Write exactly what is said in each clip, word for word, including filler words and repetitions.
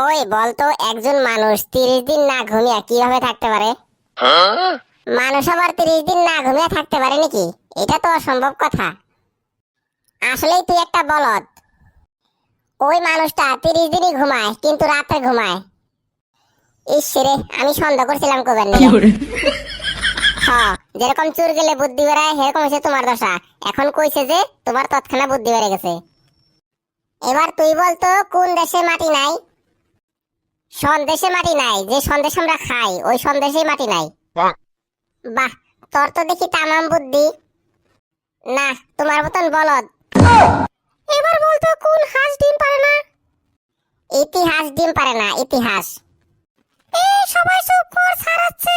ওই বলতো একজন মানুষ তিরিশ দিন না ঘুমিয়ে কিভাবে থাকতে পারে? মানুষ আবার তিরিশ দিন না ঘুমিয়ে থাকতে পারে নাকি? এটা তো অসম্ভব কথা। আসলেই তুই একটা বলদ। ওই মানুষটা তিরিশ দিনই ঘুমায় কিন্তু রাতে ঘুমায়। ইসরে আমি সন্দেহ করছিলাম কবেন হ্যাঁ, যেরকম চুর গেলে বুদ্ধি বেড়ায় সেরকম হচ্ছে তোমার দশা। এখন কইছে যে তোমার তৎক্ষণাৎ বুদ্ধি বেড়ে গেছে। এবার তুই বলতো কোন দেশে মাটি নাই? সন্দেশে মাটি নাই, যে সন্দেশ আমরা খাই ওই সন্দেশেই মাটি নাই। বাহ, তোর তো দেখি তামাম বুদ্ধি। না, তোমার মতন বলদ। এবার বলতো কোন হাঁস ডিম পারে না? ইতিহাস ডিম পারে না, ইতিহাস। এই সবাই চুপ কর, ছাড়াচ্ছে।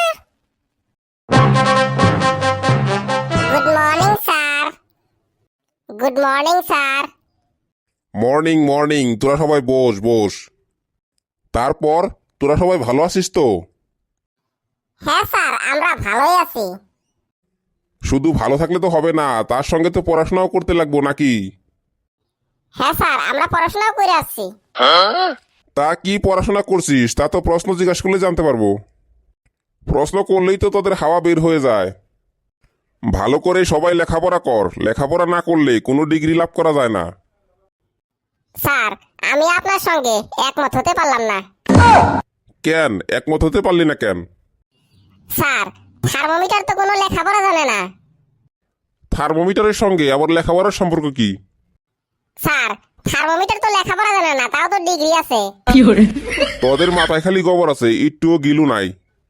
Good morning sir. Good morning sir. Morning morning তোরা সবাই বস বস। তারপর তোরা সবাই ভালো আছিস তো? হ্যাঁ স্যার, আমরা ভালোই আছি। শুধু ভালো থাকলে তো হবে না, তার সঙ্গে তো পড়াশোনাও করতে লাগবো নাকি? হ্যাঁ স্যার, আমরা পড়াশোনাও করে আসছি। তা কি পড়াশোনা করছিস তা তো প্রশ্ন জিজ্ঞাসা করলে জানতে পারবো। প্রশ্ন করলেই তো তোদের হাওয়া বের হয়ে যায়। ভালো করে সবাই লেখাপড়া কর, লেখাপড়া না করলে কোনো ডিগ্রি লাভ করা যায় না। স্যার, আমি আপনার সঙ্গে একমত হতে পারলাম না। কেন একমত হতে পারলি না কেন? স্যার, থার্মোমিটার তো কোনো লেখাপড়া জানে না। থার্মোমিটারের সঙ্গে আবার লেখাপড়ার সম্পর্ক কি? স্যার, থার্মোমিটার তো লেখাপড়া জানে না, তাও তো ডিগ্রি আছে। তোদের মাথায় খালি গোবর আছে, একটুও গিলু নাই।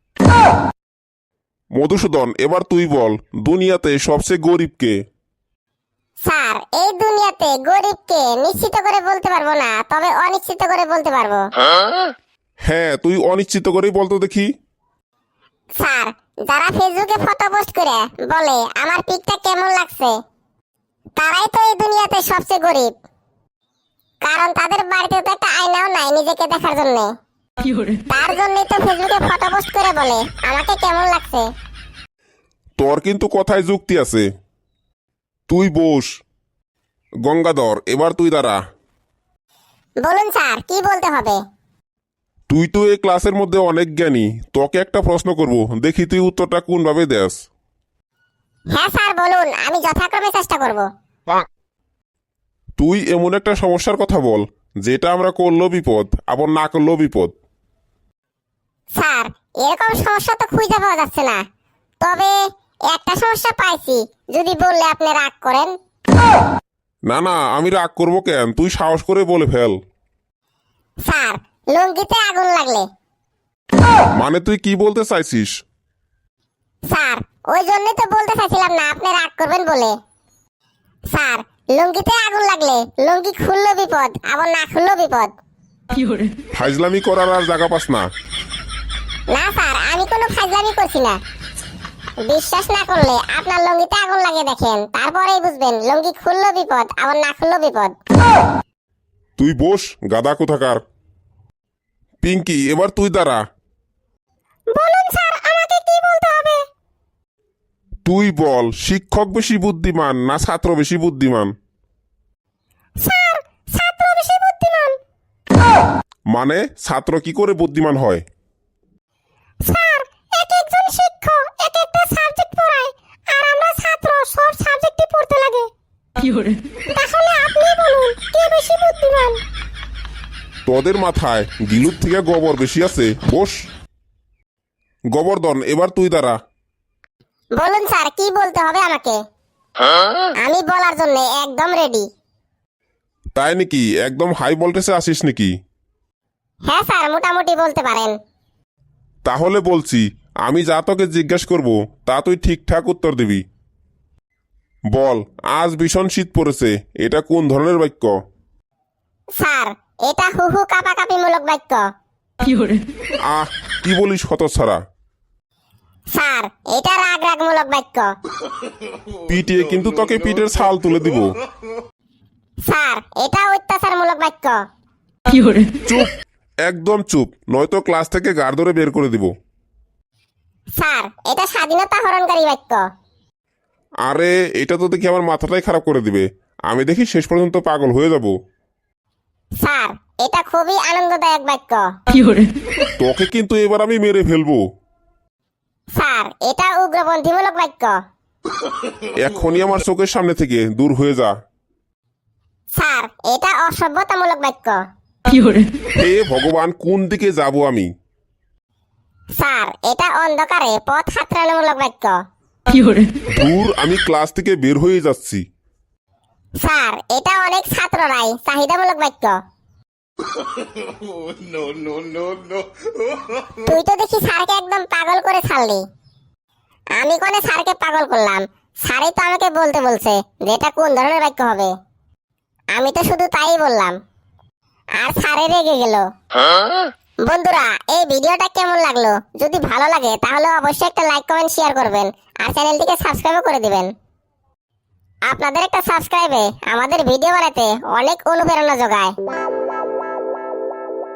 মধুসূদন, এবার তুই বল, দুনিয়াতে সবচেয়ে গরিব কে? স্যার, এই দুনিয়াতে গরিবকে নিশ্চিত করে বলতে পারবো না, তবে অনিশ্চিত করে বলতে পারবো। হ্যাঁ, তুই অনিশ্চিত করেই বলতো দেখি। স্যার, যারা ফেসবুকে ফটো পোস্ট করে বলে আমার পিকটা কেমন লাগছে, তারাই তো এই দুনিয়াতে সবচেয়ে গরিব। কারণ তাদের বাড়িতে তো একটা আয়নাও নাই নিজেকে দেখার জন্য। তার জন্যই তো ফেসবুকে ফটো পোস্ট করে বলে আমাকে কেমন লাগছে। তোর কিন্তু কথায় যুক্তি আছে। তুই বস। গঙ্গাধর, এবার তুই দাঁড়া। বলুন স্যার, কি বলতে হবে? তুই তো এই ক্লাসের মধ্যে অনেক জ্ঞানী, তোকে একটা প্রশ্ন করব, দেখি তুই উত্তরটা কোনভাবে দেস। হ্যাঁ স্যার, বলুন, আমি যথাক্রমে চেষ্টা করব। তুই এমন একটা সমস্যার কথা বল যেটা আমরা করলেও বিপদ, আবার না করলেও বিপদ। স্যার, এরকম সমস্যা তো খুঁজে পাওয়া যাচ্ছে না, তবে একটা সমস্যা পাইছি, যদি বললে আপনি রাগ করেন। না না, আমি রাগ করবো কেন, তুই সাহস করে বলে ফেল। স্যার, লুঙ্গিতে আগুন লাগলে। মানে তুই কি বলতে চাইছিস? স্যার, ওই জন্যই তো বলতে চাইছিলাম না আপনি রাগ করবেন বলে। স্যার, লুঙ্গিতে আগুন লাগলে লুঙ্গি খুললো বিপদ, আবার না খুললো বিপদ। ফাইজলামি করার আর জায়গা পাস না। না স্যার, আমি কোনো ফাজলামি করছি না। বিশ্বাস না করলে আপনার লুঙ্গিতে আগুন লাগিয়ে দেখেন, তারপরেই বুঝবেন লুঙ্গি খুললো বিপদ, আবার না খুললো বিপদ। তুই বস, গাদা কোথাকার। পিঙ্কি, এবার তুই দাঁড়া। বলুন স্যার, আমাকে কি বলতে হবে? তুই বল, শিক্ষক বেশি বুদ্ধিমান না ছাত্র বেশি বুদ্ধিমান? স্যার, ছাত্র বেশি বুদ্ধিমান। মানে ছাত্র কি করে বুদ্ধিমান হয়? স্যার, এক একজন শিক্ষক এক একটা সাবজেক্ট পড়ায়, আর আমরা ছাত্র সব সাবজেক্টই পড়তে লাগে। তাহলে আপনি বলুন কে বেশি বুদ্ধিমান? তোদের মাথায় গিলুর থেকে গোবর বেশি আছে, বস। গোবর্ধন, এবার তুই দাঁড়া। বলুন স্যার, কি বলতে হবে আমাকে? আমি বলার জন্য একদম রেডি। তাই নাকি? একদম হাই ভোল্টেজে আসিস নাকি? হ্যাঁ স্যার, মোটামুটি বলতে পারেন। তাহলে বলছি, আমি যা তোকে জিজ্ঞাসা করব তা তুই ঠিকঠাক উত্তর দিবি। বল, আজ ভীষণ শীত পড়েছে, এটা কোন ধরনের বাক্য? স্যার, এটা হু হু কাপাকাপি মূলক বাক্য। আহ, কি বলিস হতচ্ছাড়া? স্যার, এটা রাগ রাগ মূলক বাক্য। পিটিয়ে কিন্তু তোকে পিঠের ছাল তুলে দিব। স্যার, এটা অত্যাচারমূলক বাক্য। চুপ, একদম চুপ, নয়তো ক্লাস থেকে গাড় ধরে বের করে দিব। স্যার, এটা স্বাধীনতা হরণকারী বাক্য। আরে, এটা তো দেখি আমার মাথাটাই খারাপ করে দিবে। আমি দেখি শেষ পর্যন্ত পাগল হয়ে যাব। স্যার এটা খুবই আনন্দদায়ক বাক্য। তোকে কিন্তু এবার আমি মেরে ফেলবো। স্যার এটা উগ্রপন্থীমূলক বাক্য। এখনই আমার চোখের সামনে থেকে দূর হয়ে যা। স্যার এটা অসভ্যতামূলক বাক্য। হে ভগবান, কোন দিকে যাব আমি? স্যার এটা অন্ধকারে পথ হাতড়ানোমূলক বাক্য। দূর, আমি ক্লাস থেকে বের হয়ে যাচ্ছি। স্যার এটা অনেক ছাত্ররাই চাহিদামূলক বাক্য। তুই তো দেখি স্যারকে একদম পাগল করে ছাড়লি। আমি কোনে স্যারকে পাগল করলাম? স্যারই তো আমাকে বলতে বলছে যে এটা কোন ধরনের বাক্য হবে। আমি তো শুধু তাই বললাম, আর স্যারে রেগে গেল। বন্ধুরা, এই ভিডিওটা কেমন লাগলো? যদি ভালো লাগে তাহলে অবশ্যই একটা লাইক কমেন্ট শেয়ার করবেন আর চ্যানেলটিকে সাবস্ক্রাইবও করে দিবেন। আপনাদের একটা সাবস্ক্রাইবে আমাদের ভিডিও বানাতে অনেক অনুপ্রেরণা যোগায়।